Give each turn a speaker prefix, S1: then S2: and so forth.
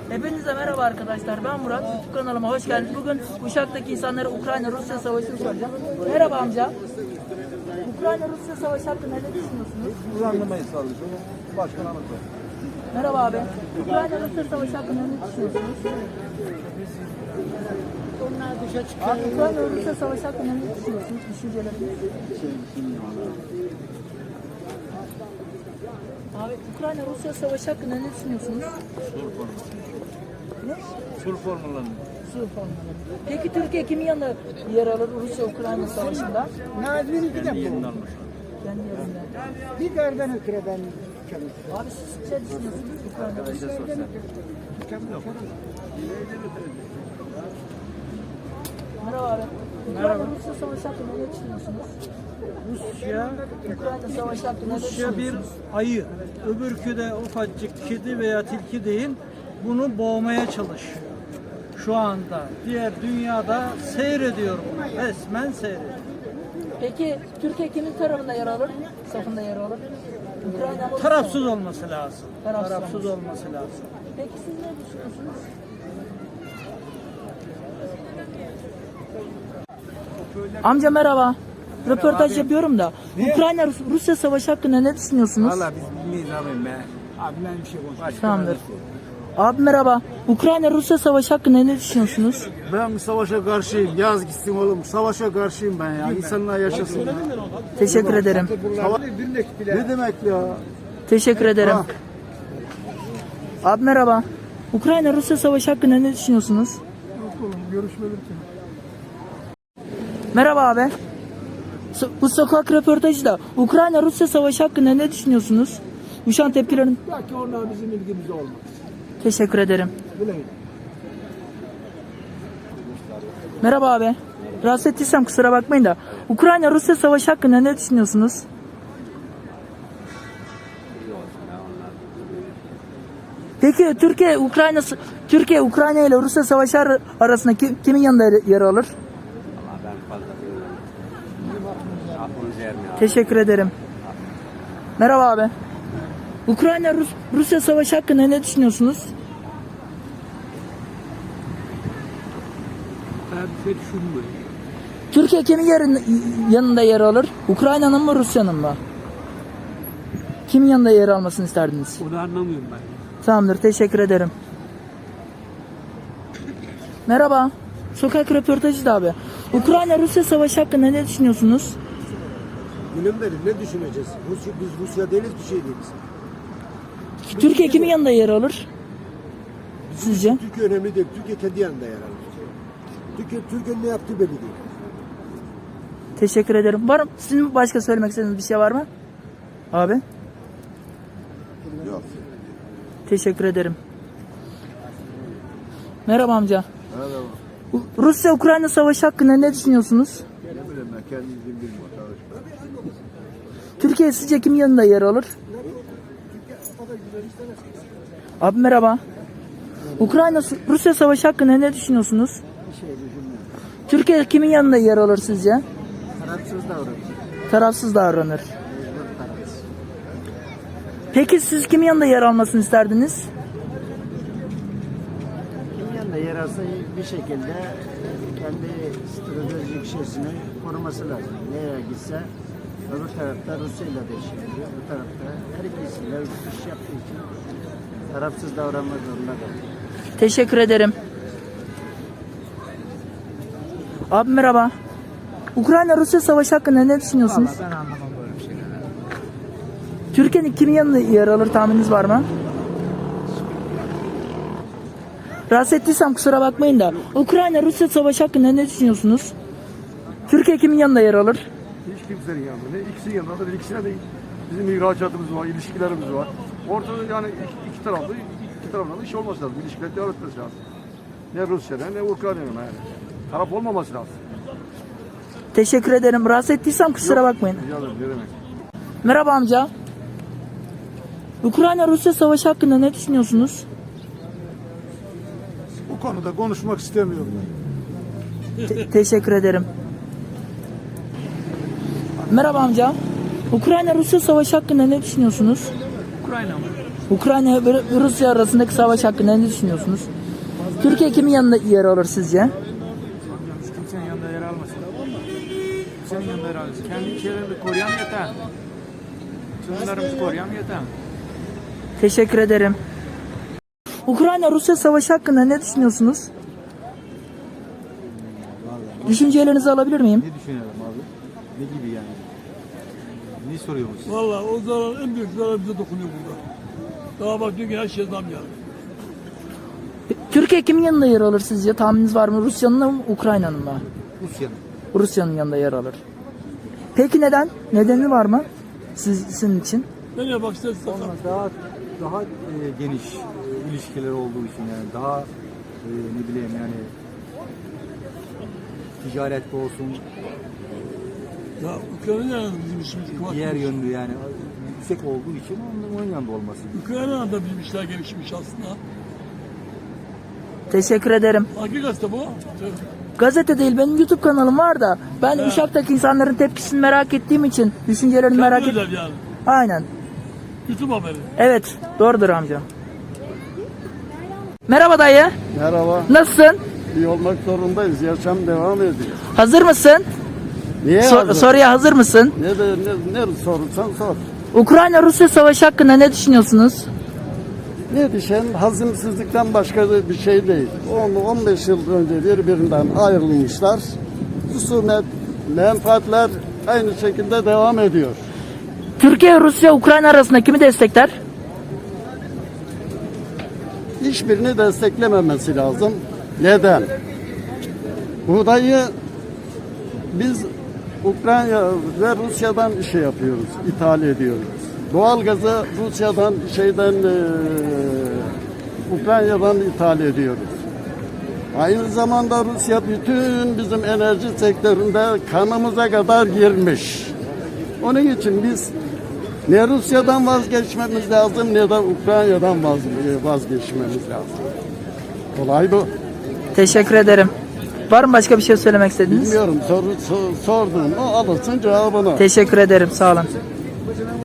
S1: Hepinize merhaba arkadaşlar. Ben Murat. YouTube kanalıma hoş geldiniz. Bugün Uşak'taki insanlara Ukrayna-Rusya savaşını soracağım. Merhaba amca. Ukrayna-Rusya savaşı hakkında ne düşünüyorsunuz?
S2: Uzanlamayı sağlayacağım. Başkan anlatıyor.
S1: Merhaba abi. Ukrayna-Rusya savaşı hakkında ne düşünüyorsunuz? Abi Ukrayna-Rusya savaşı hakkında ne düşünüyorsunuz? Düşünceleriniz? Abi Ukrayna-Rusya savaşı hakkında ne düşünüyorsunuz? Ne?
S2: Sur formüllerini.
S1: Sur formülleri. Peki Türkiye kimin yanında yer alır Rusya-Ukrayna savaşında?
S3: Nazmi'nin bir de bu.
S2: Yeniden almış.
S1: Kendi yerinde.
S3: Bir gardan ötürü ben çalışıyorum.
S1: Abi siz ne düşünüyorsunuz Ukrayna? Merhaba abi. Ukrayna-Rusya savaşı hakkında ne düşünüyorsunuz? Ukrayna savaşı hakkında ne
S4: Rusya bir
S1: düşünüyorsunuz?
S4: ayı, öbürkü de ufacık kedi veya tilki değil, bunu boğmaya çalışıyor. Şu anda diğer dünyada seyrediyor bunu, resmen seyrediyor.
S1: Peki Türkiye kimin tarafında yer alır? Safında yer alır? Ukrayna mı?
S4: Tarafsız olması lazım.
S1: Tarafsız
S4: Tarafsız olması lazım.
S1: Peki siz ne düşünüyorsunuz? Amca merhaba. Röportaj yapıyorum da. Ukrayna-Rusya savaşı hakkında ne düşünüyorsunuz?
S2: Valla biz bilmeyiz abim be. Abi ben bir şey konuşayım.
S1: Tamamdır. Abi merhaba. Ukrayna-Rusya savaşı hakkında ne düşünüyorsunuz?
S5: Ben savaşa karşıyım. Yaz gitsin oğlum. Savaşa karşıyım ben ya. İnsanlar yaşasın ya.
S1: Teşekkür ederim.
S5: Ne demek ya?
S1: Teşekkür ederim. Abi merhaba. Ukrayna-Rusya savaşı hakkında ne düşünüyorsunuz? Merhaba abi. Bu sokak röportajı da Ukrayna-Rusya savaşı hakkında ne düşünüyorsunuz? Şu an tepkilerin.
S5: Belki onlar bizim ilgimizde olmaz.
S1: Teşekkür ederim.
S5: Bileyim.
S1: Merhaba abi. Rahatsız ettiysem kusura bakmayın da. Ukrayna-Rusya savaşı hakkında ne düşünüyorsunuz? Peki Türkiye-Ukrayna ile Rusya savaşı arasında kimin yanında yer alır? Teşekkür ederim. Merhaba abi. Ukrayna-Rusya savaşı hakkında ne düşünüyorsunuz?
S2: Ben bir şey düşünmüyorum.
S1: Türkiye kimin yanında yer alır? Ukrayna'nın mı Rusya'nın mı? Kimin yanında yer almasını isterdiniz?
S2: Onu anlamıyorum ben.
S1: Tamamdır, teşekkür ederim. Merhaba. Sokak röportajı da abi. Ukrayna-Rusya savaşı hakkında ne düşünüyorsunuz?
S5: Bilim verin. Ne düşüneceğiz? Biz Rusya değiliz, bir şey değiliz.
S1: Türkiye kimin yanında yer alır? Sizce?
S5: Türkiye önemli değil. Türkiye kendi yanında yer alır. Türkiye'nin ne yaptığı belli değil.
S1: Teşekkür ederim. Var mı? Sizin başka söylemek istediğiniz bir şey var mı? Abi?
S5: Yok.
S1: Teşekkür ederim. Merhaba amca.
S5: Merhaba.
S1: Rusya-Ukrayna savaşı hakkında ne düşünüyorsunuz?
S5: Ne bileyim ben. Kendimizin bilmiyorum.
S1: Türkiye sizce kimin yanında yer alır? Abi merhaba. Ukrayna-Rusya savaşı hakkında ne düşünüyorsunuz? Türkiye kimin yanında yer alır sizce?
S5: Tarafsız davranıyor.
S1: Tarafsız davranır. Peki siz kimin yanında yer almasını isterdiniz?
S3: Kimin yanında yer alsa bir şekilde kendi stratejik şeysini koruması lazım. Nereye gitse öbür tarafta Rusya ile de iş yapıyor. Bu tarafta her ikisiyle iş yaptığı için tarafsız davranmak zorunda kalıyor.
S1: Teşekkür ederim. Abi merhaba. Ukrayna-Rusya savaşı hakkında ne düşünüyorsunuz?
S2: Ben anlamam böyle bir şeyler.
S1: Türkiye'nin kimin yanında yer alır tahmininiz var mı? Rahatsız ettiysem kusura bakmayın da. Ukrayna-Rusya savaşı hakkında ne düşünüyorsunuz? Türkiye kimin yanında yer alır?
S5: Hiç kimsenin yanında. Ne ikisinin yanında da ikisine de bizim ihracatımız var, ilişkilerimiz var. Ortada yani iki tarafında da iş olması lazım. İlişkiler devam etmesi lazım. Ne Rusya'da ne Ukrayna'da yani. Taraf olmaması lazım.
S1: Teşekkür ederim. Rahatsız ettiysem kusura bakmayın.
S5: Rica ederim, ne demek.
S1: Merhaba amca. Ukrayna-Rusya savaşı hakkında ne düşünüyorsunuz?
S5: Bu konuda konuşmak istemiyorum.
S1: Teşekkür ederim. Merhaba amca. Ukrayna-Rusya savaşı hakkında ne düşünüyorsunuz?
S4: Ukrayna mı?
S1: Ukrayna ve Rusya arasındaki savaş hakkında ne düşünüyorsunuz? Türkiye kimin yanında yer alır sizce?
S2: Hiç kimsenin yanında yer almasın. Kimsenin yanında yer almasın. Kendi ülkelerini koruyan yeter. Sınırlarımızı koruyan yeter.
S1: Teşekkür ederim. Ukrayna-Rusya savaşı hakkında ne düşünüyorsunuz? Düşüncelerinizi alabilir miyim?
S6: Ne düşünelim abi? Ne gibi yani? Ne soruyorsunuz?
S7: Valla o zarar, en büyük zarar bize dokunuyor burada. Daha bak diyor ki her şey zam geldi.
S1: Türkiye kimin yanında yer alır sizce? Tahmininiz var mı? Rusya'nın mı, Ukrayna'nın mı?
S6: Rusya'nın.
S1: Rusya'nın yanında yer alır. Peki neden? Nedeni var mı? Sizin için?
S7: Nereye bak işte
S6: Daha geniş ilişkiler olduğu için yani daha ne bileyim yani ticarette olsun
S7: ya Ukrayna yanında bizim işimiz kıvrak.
S6: diğer yönlü yani yüksek olduğu için onun yanında olması.
S7: Ukrayna'da da bizim işler gelişmiş aslında.
S1: Teşekkür ederim.
S7: Hangi gazete bu?
S1: Gazete değil, benim YouTube kanalım var da ben Uşak'taki insanların tepkisini merak ettiğim için düşüncelerini merak
S7: Kendi
S1: et.
S7: özel yani.
S1: Aynen.
S7: YouTube haberi.
S1: Evet, doğrudur amca. Merhaba dayı.
S3: Merhaba.
S1: Nasılsın?
S3: İyi olmak zorundayız. Yaşam devam ediyor.
S1: Hazır mısın?
S3: Niye hazır?
S1: Soruya hazır mısın?
S3: Ne sorursan sor.
S1: Ukrayna-Rusya savaşı hakkında ne düşünüyorsunuz?
S3: Ne düşen hazımsızlıktan başka bir şey değil. 10-15 yıl önce birbirinden ayrılmışlar. Husumet, menfaatler aynı şekilde devam ediyor.
S1: Türkiye, Rusya, Ukrayna arasında kimi destekler?
S3: Hiçbirini desteklememesi lazım. Neden? Buğdayı biz Ukrayna ve Rusya'dan şey yapıyoruz, ithal ediyoruz. Doğalgazı Rusya'dan Ukrayna'dan ithal ediyoruz. Aynı zamanda Rusya bütün bizim enerji sektöründe kanımıza kadar girmiş. Onun için biz ne Rusya'dan vazgeçmemiz lazım ne de Ukrayna'dan vazgeçmemiz lazım. Olay bu.
S1: Teşekkür ederim. Var mı başka bir şey söylemek istediğiniz?
S3: Bilmiyorum sordun mu alırsın cevabını.
S1: Teşekkür ederim. Sağ olun.